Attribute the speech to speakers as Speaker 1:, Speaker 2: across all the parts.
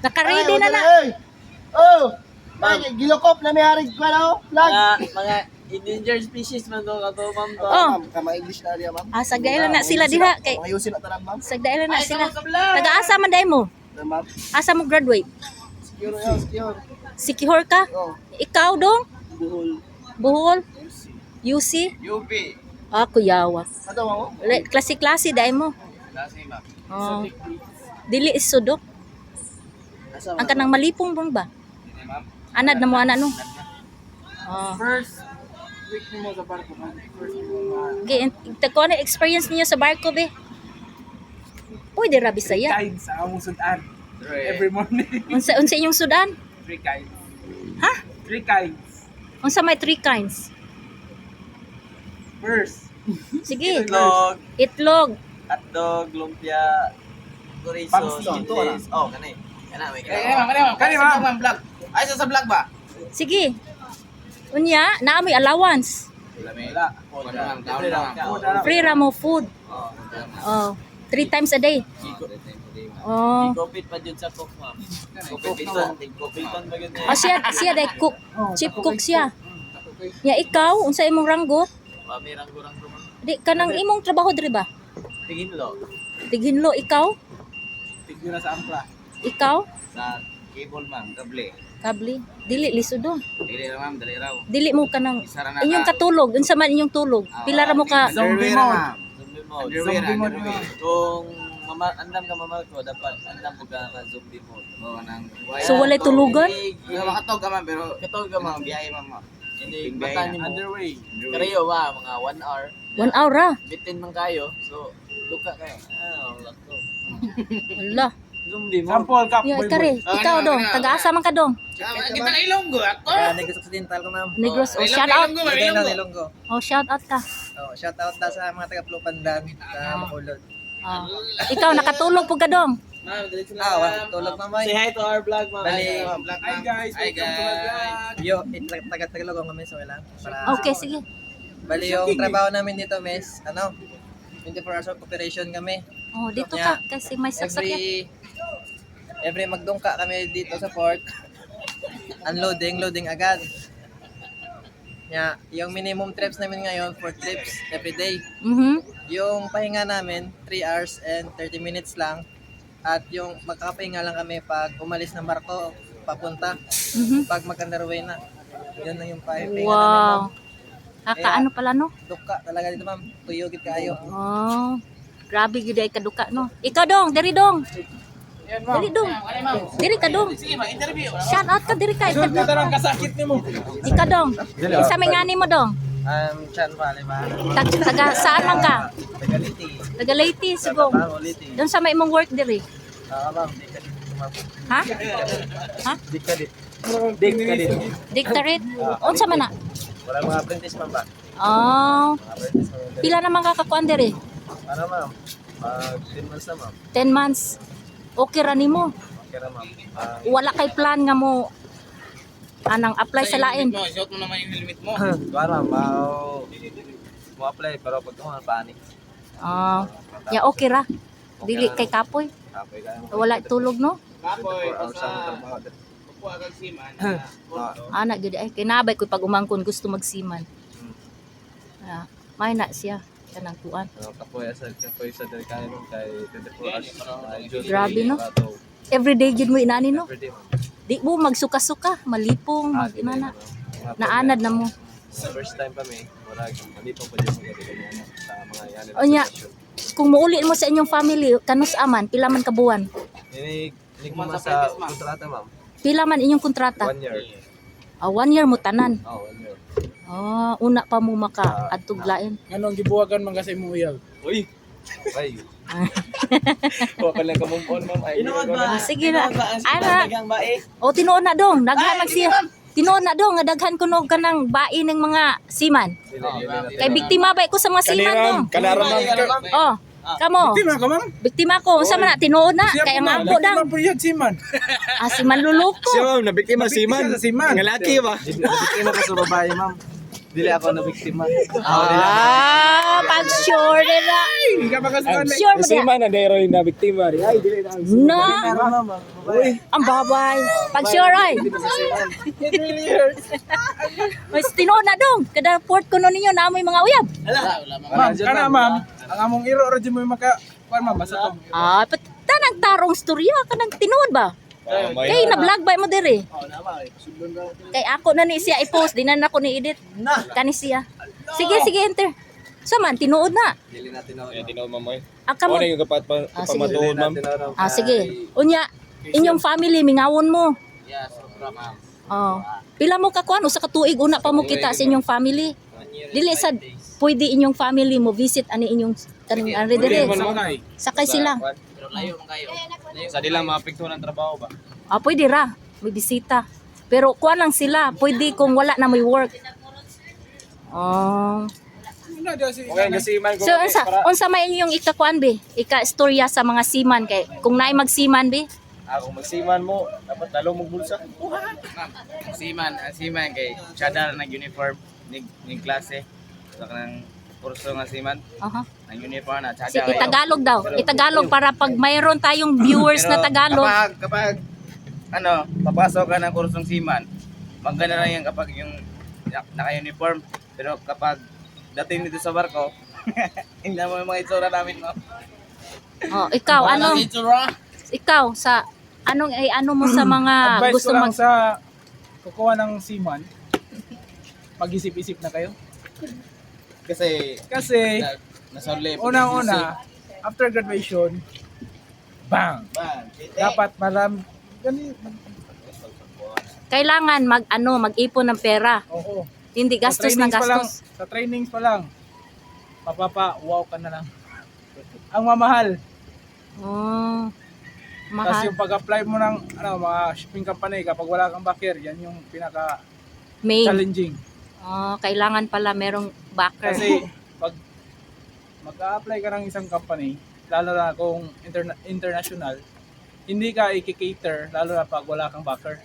Speaker 1: Naka-ready na na.
Speaker 2: Oh! Gilokop na may harig ko na, flag.
Speaker 3: Mga endangered species man to kato, ma'am to.
Speaker 1: Oh.
Speaker 2: Kama English na niya, ma'am.
Speaker 1: Sagdailan na sila diha kay
Speaker 2: Ayusin na tanan, ma'am.
Speaker 1: sagdailan na sila. Taga-asa man dai mo?
Speaker 2: Ma'am.
Speaker 1: Asa mo graduate?
Speaker 2: Secure yan, secure.
Speaker 1: Sikihor ka?
Speaker 2: Oh,
Speaker 1: Ikaw dong?
Speaker 2: buhol.
Speaker 1: Buhol? UC?
Speaker 3: UP.
Speaker 1: Kuyawa.
Speaker 2: Ato mo?
Speaker 1: Klase-klase dai mo.
Speaker 3: Klase, ma'am.
Speaker 1: Oh. Dili is sudok. Ang kanang malipong bang ba?
Speaker 3: Hindi, ma'am.
Speaker 1: Anad na mo ana no. Oh.
Speaker 3: First week mo sa barko, ma'am. First week mo.
Speaker 1: Okay, tagko na experience niyo sa barko be. Uy, di rabi saya.
Speaker 4: Kain sa among sudan. Every morning.
Speaker 1: Unsa inyong sudan?
Speaker 4: 3 kinds.
Speaker 1: Ha?
Speaker 4: 3 kinds.
Speaker 1: Unsa may 3 kinds?
Speaker 4: First,
Speaker 1: Sige.
Speaker 3: Itlog,
Speaker 1: Itlog.
Speaker 3: hotdog, lumpia, chorizo,
Speaker 4: Pamsi,
Speaker 2: ito,
Speaker 3: cheese. Oh, kanay. Kana, may
Speaker 4: Kani, ma'am.
Speaker 3: vlog. Ay, sa vlog ba?
Speaker 1: Sige. Unya, naamoy allowance.
Speaker 3: Wala.
Speaker 1: Free ra mo food. Oh, 3 times a day. Oh.
Speaker 3: Kopit pa dyan sa cook, ma'am. Kopiton ba yun
Speaker 1: Oh, siya day cook. Chief cook siya. Ya ikaw, unsa imong ranggo?
Speaker 3: May ranggo-ranggo, ma'am.
Speaker 1: Di kanang imong trabaho diri ba?
Speaker 3: Tiginlo.
Speaker 1: Tighinlo ikaw?
Speaker 4: tigura sa ampla.
Speaker 1: Ikaw?
Speaker 3: Sa cable, ma'am. Kable.
Speaker 1: Kabli. Dili lisod do.
Speaker 3: Dili na, ma'am. Dali raw.
Speaker 1: Dili mo kanang
Speaker 3: Isara na
Speaker 1: inyong katulog, unsa man inyong tulog? Pila ra mo ka?
Speaker 4: Zombie mode.
Speaker 3: Zombie mode.
Speaker 4: Zombie mode.
Speaker 3: Kung andam ka mamal ko, dapat andam mo ka zombie mode. O, nang
Speaker 1: So, walay tulugan?
Speaker 3: Makatog ka, ma'am, pero katog ka, ma'am. Biyahe, ma'am. Hindi, bata ni mo.
Speaker 4: Underway.
Speaker 3: Karayo ba, mga 1 hour.
Speaker 1: 1 hour ra.
Speaker 3: Bitin man kayo, so, duka kayo. Wala to.
Speaker 1: Wala.
Speaker 3: Zombie mode.
Speaker 4: Sample cup.
Speaker 1: Ya ikare, ikaw dong, taga-asa man ka dong?
Speaker 3: Kita na ilonggo ako.
Speaker 5: Negros Occidental ko, ma'am.
Speaker 1: Negros, oh, shout out.
Speaker 5: Lagay na Nilonggo.
Speaker 1: Oh, shout out ka.
Speaker 5: Oh, shout out na sa mga taga Plupandan sa Bacolod.
Speaker 1: Ah. Ikaw nakatulog pug ka dong.
Speaker 3: Ma'am, dali sila.
Speaker 5: Tulog mamay.
Speaker 3: Say hi to our vlog, ma'am.
Speaker 5: Bali.
Speaker 4: Hi guys, welcome to my vlog.
Speaker 5: Yo, taga Tagalog kami so lang. Para
Speaker 1: Okay, sige.
Speaker 5: Bali yung trabaho namin dito, mes, 24 hours of operation kami.
Speaker 1: Oh, dito ka kasi may sasakyan.
Speaker 5: Every magdungka kami dito sa port. Loading agad. Yung minimum trips namin ngayon, 4 trips every day. Yung pahinga namin, 3 hours and 30 minutes lang. At yung magkakapahinga lang kami pag umalis ng barko, papunta. Pag mag-underway na. Yun lang yung pahinga namin, ma'am.
Speaker 1: Wow. Kakaano pala no?
Speaker 5: Duka talaga dito, ma'am. Tuyogit kayo.
Speaker 1: Oh. Grabe gyud ay kaduka no. Ikaw dong, diri dong. Diri dong. Diri ka dong. Shout out ka diri ka.
Speaker 4: Ito lang kasakit ni mo.
Speaker 1: Ikaw dong. Isa may ngani mo dong.
Speaker 5: Chan Valley ba?
Speaker 1: Taga saan man ka?
Speaker 5: Tagaliti.
Speaker 1: Taga Leyte sigong.
Speaker 5: Tagaliti.
Speaker 1: Doon sa may imong work diri.
Speaker 5: Ma'am, di ka dito, ma'am.
Speaker 1: Ha? Ha?
Speaker 5: Di ka dito.
Speaker 1: Dictorate. Unsa man na?
Speaker 5: Wala mga apprentice, ma'am ba?
Speaker 1: Oh.
Speaker 5: Mga apprentice, ma'am.
Speaker 1: Pila naman kakakuan diri?
Speaker 5: Ano, ma'am? 10 months na, ma'am.
Speaker 1: 10 months. Okay ra nimo.
Speaker 5: Okay na, ma'am.
Speaker 1: Wala kay plan nga mo anang apply sa lain.
Speaker 3: Shot mo naman yung helmet mo.
Speaker 5: Para, mo apply pero pag tumangan panik.
Speaker 1: Ah, ya okay ra. Dili kay kapoy.
Speaker 5: Kapoy kayo.
Speaker 1: Wala tulog no.
Speaker 3: Kapoy,
Speaker 5: Hours ang trabaho.
Speaker 3: Kuha kang siman.
Speaker 1: Ana gyud ay kinabay ko pag umangkon gusto magsiman. Ah, may na siya kanang kuan.
Speaker 5: Kapoy sa delikado nung kay 24 hours.
Speaker 1: Grabe, no? Everyday gyud mo inani no.
Speaker 5: Everyday, ma'am.
Speaker 1: Di mo magsuka-suka, malipong, mag-inana. Naanad na mo.
Speaker 5: Sa first time kami, malipong pa dyan sa mga yan.
Speaker 1: Onya, kung muuli mo sa inyong family, kanus aman, pila man kabuan?
Speaker 5: Inig mo sa kontrata, ma'am.
Speaker 1: Pila man inyong kontrata?
Speaker 5: 1 year.
Speaker 1: 1 year mo tanan.
Speaker 5: 1 year.
Speaker 1: Una pa mo maka adtuglain.
Speaker 4: Anong gibuwagan man kasi mo uyag?
Speaker 5: Uy! Ay! Huwag ka lang kamumpon, ma'am. Ay,
Speaker 3: Inuod ba?
Speaker 1: Sige na.
Speaker 3: Ana. Dagang bae.
Speaker 1: O tinuon na dong, daghan man siya. Tinuon na dong, nga daghan ko no kanang bae ng mga siman. Kay biktima ba ko sa mga siman dong?
Speaker 4: Kanaram, ma'am.
Speaker 1: Oh, kamo.
Speaker 4: Tima ka, ma'am.
Speaker 1: Biktima ko, unsa man na tinuon na kay ang ampo dang.
Speaker 4: Tima po yan, siman.
Speaker 1: Si man luluko.
Speaker 4: Siya, ma'am, nabiktima siman. Siman. Nga laki ba?
Speaker 5: Biktima ka sa babae, ma'am.
Speaker 3: Dili ako na biktima.
Speaker 1: Pag sure nila.
Speaker 4: Hindi ka makasukan.
Speaker 1: Sure mo
Speaker 4: Kasi
Speaker 1: na.
Speaker 4: man, na rin na biktima. Ay, dili na.
Speaker 1: Na. Ang babay. Pag sure ay. Mas tinuod na dong. Kada port ko ninyo na amoy mga uyab.
Speaker 4: Ma'am, kana ma'am. Ang among iro, radyo mo yung kuan ma'am, basta to.
Speaker 1: Tanang tarong storya. Kanang tinuod ba? Kay na-vlog ba mo diri? Kay ako na ni siya i-post. Di na ako ni edit. Kani siya. Sige, enter. So man, tinuod na.
Speaker 3: Dili natin ako.
Speaker 6: Tinaw mamoy.
Speaker 1: Kamo.
Speaker 6: Ano yung kapat pa
Speaker 1: Sige.
Speaker 6: pamatuon, ma'am?
Speaker 1: Sige. Unya, inyong family, mingawon mo.
Speaker 3: Yeah, sobra ma'am.
Speaker 1: Oh. Pila mo ka kuan usa ka tuig una pa mo kita sa inyong family. Dili sad pwede inyong family mo visit ani inyong kaning ari dire. Sakay sila.
Speaker 3: Pero layo man kayo.
Speaker 6: Sa dila maapektuhan ang trabaho ba?
Speaker 1: Pwede ra, may bisita. Pero kuan lang sila, pwede kung wala na may work. Oh.
Speaker 6: Okay, kasi man
Speaker 1: So unsa may inyong ikakuan be? Ika-istorya sa mga seaman kay kung naay magsiman be.
Speaker 6: Ako magsiman mo, dapat talo mo bulsa.
Speaker 3: Ang siman kay Chadar nag-uniform ning klase. Sa kanang kurso nga siman,
Speaker 1: Aha.
Speaker 3: ang uniform na
Speaker 1: Si
Speaker 3: Chadar.
Speaker 1: Itagalog daw. Itagalog para pag mayroon tayong viewers na Tagalog.
Speaker 3: Kapag papasok ka ng kursong siman, maganda lang yan kapag yung naka-uniform. Pero kapag dating dito sa barko, hindi mo yung mga itsura namin, no?
Speaker 1: Ikaw ano?
Speaker 3: Itsura?
Speaker 1: Ikaw sa ano mo sa mga
Speaker 4: Advice
Speaker 1: gusto
Speaker 4: ko lang
Speaker 1: mag
Speaker 4: sa kukuha ng seaman, mag-isip-isip na kayo.
Speaker 3: Kasi,
Speaker 4: Kasi,
Speaker 3: nasa level.
Speaker 4: unang-una, after graduation, bang! Dapat
Speaker 1: kailangan mag-ipon ng pera.
Speaker 4: oo.
Speaker 1: Hindi gastos ng gastos.
Speaker 4: Sa trainings pa lang, wow ka na lang. Ang mamahal.
Speaker 1: Oh.
Speaker 4: Kasi
Speaker 1: Mahal.
Speaker 4: yung pag-apply mo ng mga shipping company, kapag wala kang backer, yan yung
Speaker 1: Main.
Speaker 4: pinaka-challenging.
Speaker 1: Kailangan pala merong backer.
Speaker 4: Kasi pag mag-a-apply ka ng isang company, lalo na kung international, hindi ka i-cater, lalo na pag wala kang backer.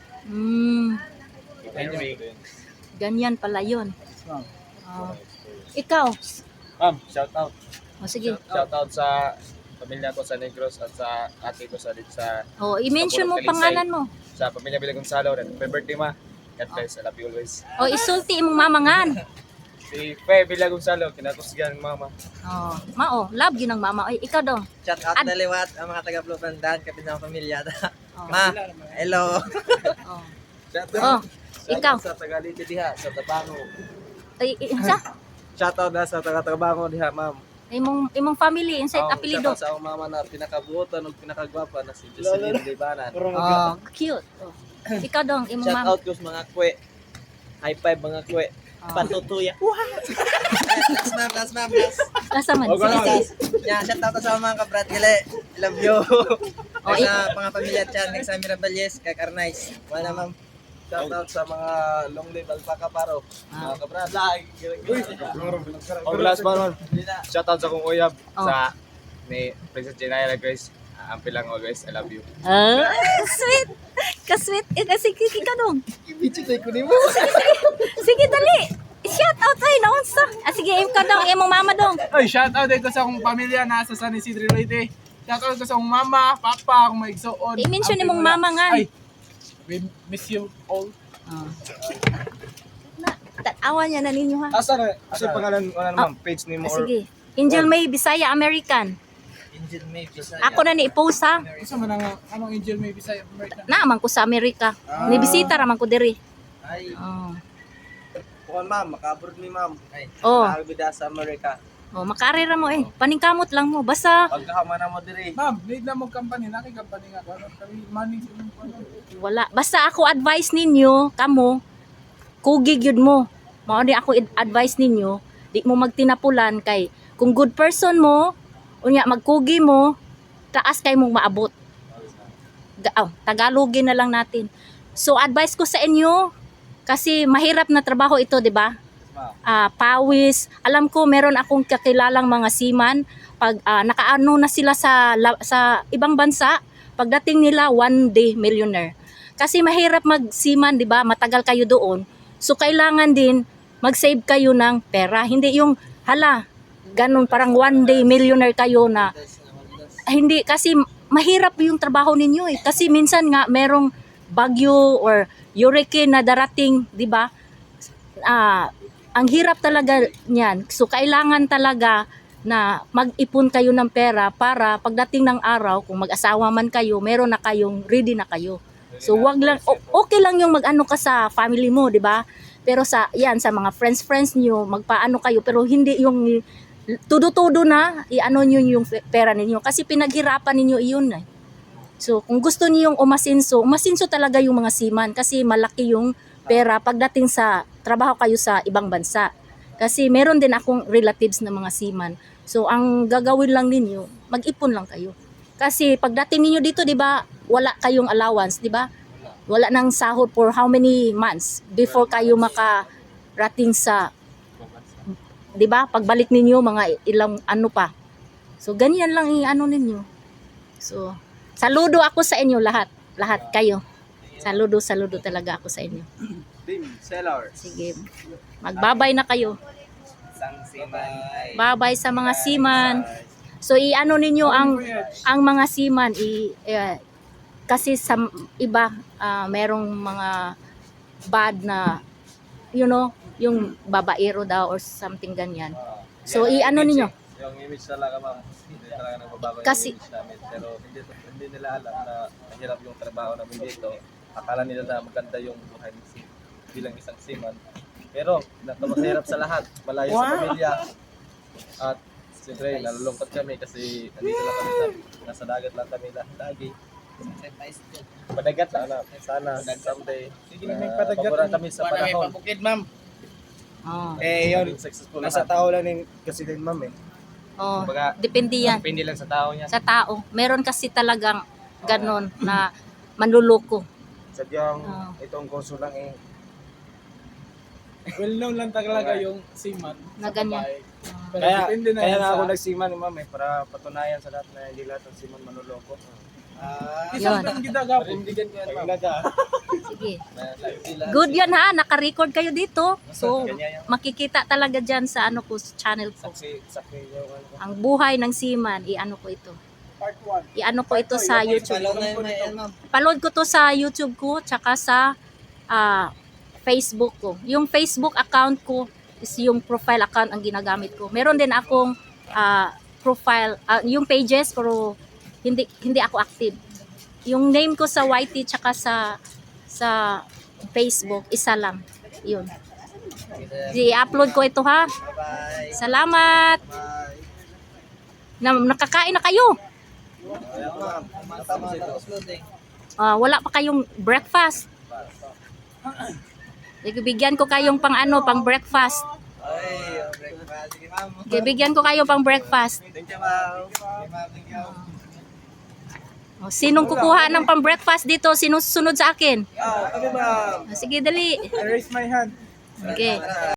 Speaker 1: Ganyan pala yun.
Speaker 4: So,
Speaker 1: Ikaw.
Speaker 6: Ma'am, shout out.
Speaker 1: Sige.
Speaker 6: Shout out sa pamilya ko sa Negros at sa ate ko sa
Speaker 1: I-mention mo pangalan mo.
Speaker 6: sa pamilya Bila Gonzalo. Happy birthday, ma. God bless. I love you always.
Speaker 1: Isulti imong mamangan.
Speaker 6: Si Fe Bila Gonzalo, kinakusgan ng mama.
Speaker 1: Love yun ng mama. Ikaw daw.
Speaker 5: Shout out na liwat ang mga taga-Blubandan, kapit ng pamilya. Ma, hello.
Speaker 6: Shout
Speaker 1: Ikaw.
Speaker 3: Sa Tagalite diha, sa Tabango.
Speaker 6: Shout out na sa taga-Tabango diha, ma'am.
Speaker 1: Imong family, inside apelido.
Speaker 3: Sa akong mama na pinakabuotan ug pinakagwapa na si Jocelyn Libanan.
Speaker 1: Cute. Ikaw dong, imong
Speaker 3: Shout
Speaker 1: mama.
Speaker 3: out ko sa mga kwe. High five mga kwe. Patutuya.
Speaker 5: Last ma'am.
Speaker 1: Asa man? Sige.
Speaker 5: Yeah, shout out sa mga kabrat gili. I love you. Sa mga pamilya dyan, sa Mirabales, kay Carnice. Wala ma'am.
Speaker 3: Shout out sa mga long live alpaca paro. Mga kabrad.
Speaker 6: Last one. Shout out sa kong uyab sa ni Princess Jenayla Grace. Ampi lang always. I love you.
Speaker 1: Sweet. Ka-sweet. Sige, ikaw dong.
Speaker 3: Ibichitay ko ni mo.
Speaker 1: Sige, dali. Shout out ay naunsa. Sige, ikaw dong, imong mama dong.
Speaker 4: Oy, shout out dito sa akong pamilya nasa San Isidro Leyte. Shout out ko sa akong mama, papa, akong maigsoon.
Speaker 1: I-mention ni mong mama nga.
Speaker 4: Ay, we miss you all.
Speaker 1: Tatawa niya na ninyo ha.
Speaker 6: Asa na? Asa yung pangalan, ma'am? Page ni mo or...
Speaker 1: Sige. Angel May Bisaya American.
Speaker 5: Angel May Bisaya.
Speaker 1: Ako na ni i-post ha.
Speaker 4: Isa man ang anong Angel May Bisaya American.
Speaker 1: Naaman ko sa Amerika. Ni bisita raman ko diri.
Speaker 5: Ay,
Speaker 3: Bukan ma'am, makabroad ni ma'am.
Speaker 1: Oh,
Speaker 3: Nakabida sa Amerika.
Speaker 1: makarera mo Paningkamot lang mo. Basta
Speaker 3: Pagkahama na mo diri.
Speaker 4: Ma'am, need na mo company, naki-company nga ko. Kami manning sa inyong ano.
Speaker 1: wala. Basta ako advice ninyo, kamo, kugig yun mo. Mao ni ako advice ninyo, di mo magtinapulan kay kung good person mo, unya magkugi mo, taas kay mong maabot. Tagalogin na lang natin. So advice ko sa inyo, kasi mahirap na trabaho ito, di ba? Pawis. Alam ko meron akong kakilalang mga seaman, pag nakaano na sila sa ibang bansa, pagdating nila one day millionaire. Kasi mahirap mag-seaman, di ba? Matagal kayo doon. So kailangan din mag-save kayo ng pera. Hindi yung, hala, ganun, parang one day millionaire kayo na, hindi, kasi mahirap yung trabaho ninyo eh. Kasi minsan nga, merong bagyo or hurricane na darating, di ba? Ang hirap talaga niyan. So, kailangan talaga na mag-ipon kayo ng pera para pagdating ng araw, kung mag-asawa man kayo, meron na kayong, ready na kayo. So, wag lang, okay lang yung mag-ano ka sa family mo, di ba? Pero sa mga friends niyo, magpaano kayo, pero hindi yung tudo-tudo na, i-ano nyo yung pera ninyo. Kasi pinaghirapan ninyo iyon eh. So, kung gusto niyo yung umasinso talaga yung mga seaman kasi malaki yung pera pagdating sa trabaho kayo sa ibang bansa. Kasi meron din akong relatives na mga seaman. So, ang gagawin lang ninyo, mag-ipon lang kayo. Kasi pagdating ninyo dito, di ba, wala kayong allowance, di ba? Wala nang sahod for how many months before kayo makarating sa, di ba, pagbalik ninyo, mga ilang ano pa. So, ganyan lang i-ano ninyo. So, saludo ako sa inyo lahat kayo. Saludo talaga ako sa inyo.
Speaker 3: Team Sellers.
Speaker 1: Sige. Magbabay na kayo.
Speaker 3: Isang seaman ay
Speaker 1: Babay sa mga seaman. So i-ano ninyo ang mga seaman kasi sa iba merong mga bad na yung babaero daw or something ganyan. So i-ano ninyo
Speaker 6: Yung image talaga, ma'am. Hindi talaga nagbabago
Speaker 1: Kasi-
Speaker 6: yung image namin. Pero hindi nila alam na mahirap yung trabaho namin dito. Akala nila na maganda yung buhay bilang isang seaman. Pero mahirap sa lahat. Malayo sa pamilya. At siyempre, nalulungkot kami kasi nandito lang kami nasa dagat lang kami lagi. Padagat lang na. Sana someday. Paboran kami sa
Speaker 3: Wala may
Speaker 6: panahon.
Speaker 3: pabukid, ma'am.
Speaker 1: oh,
Speaker 3: Yun.
Speaker 6: Successful
Speaker 3: Nasa
Speaker 6: lahat.
Speaker 3: tao lang kasi din, ma'am eh.
Speaker 1: oh,
Speaker 6: Kumbaga,
Speaker 1: depende yan
Speaker 6: depende lang sa tao niya.
Speaker 1: sa tao. Meron kasi talagang ganon na manluloko.
Speaker 3: Sadyang
Speaker 1: Oh.
Speaker 3: itong kurso lang eh.
Speaker 4: Well known lang talaga yung seaman
Speaker 1: Na
Speaker 4: sa
Speaker 1: ganyan.
Speaker 4: babae. Pero
Speaker 3: Kaya,
Speaker 4: depende na
Speaker 3: kaya
Speaker 4: yan
Speaker 3: nga
Speaker 4: sa...
Speaker 3: ako nagsiman, ma'am eh, para patunayan sa lahat na hindi lahat ng siman manuloko.
Speaker 4: Isang
Speaker 1: Yun.
Speaker 4: tang gidagap.
Speaker 3: Parindigan ko yan, ma'am.
Speaker 1: Sige. Good yan ha, naka-record kayo dito. So
Speaker 3: Ganyan yan.
Speaker 1: makikita talaga dyan sa ano ko, sa channel ko.
Speaker 3: Saksi yung ano.
Speaker 1: Ang buhay ng seaman, i-ano ko ito.
Speaker 4: Part 1.
Speaker 1: I-ano ko ito sa YouTube.
Speaker 5: Follow na yun na yan, ma'am.
Speaker 1: Paload ko to sa YouTube ko, tsaka sa Facebook ko. Yung Facebook account ko is yung profile account ang ginagamit ko. Meron din akong profile, yung pages, pero hindi ako active. Yung name ko sa YT tsaka sa Facebook, isa lang. Yun. I-upload ko ito ha.
Speaker 5: Bye-bye.
Speaker 1: Salamat.
Speaker 5: Bye.
Speaker 1: Nakakain na kayo.
Speaker 5: Tapos loading.
Speaker 1: Wala pa kayong breakfast. Bigyan ko kayong pang breakfast.
Speaker 5: Ay, breakfast. Sige, ma'am.
Speaker 1: Bigyan ko kayo pang breakfast.
Speaker 5: Thank you, ma'am. Sige, ma'am. Thank you.
Speaker 1: Sinong kukuha ng pang breakfast dito? Sinong susunod sa akin?
Speaker 5: Kami, ma'am.
Speaker 1: Sige, dali.
Speaker 4: I raise my hand.
Speaker 1: Okay.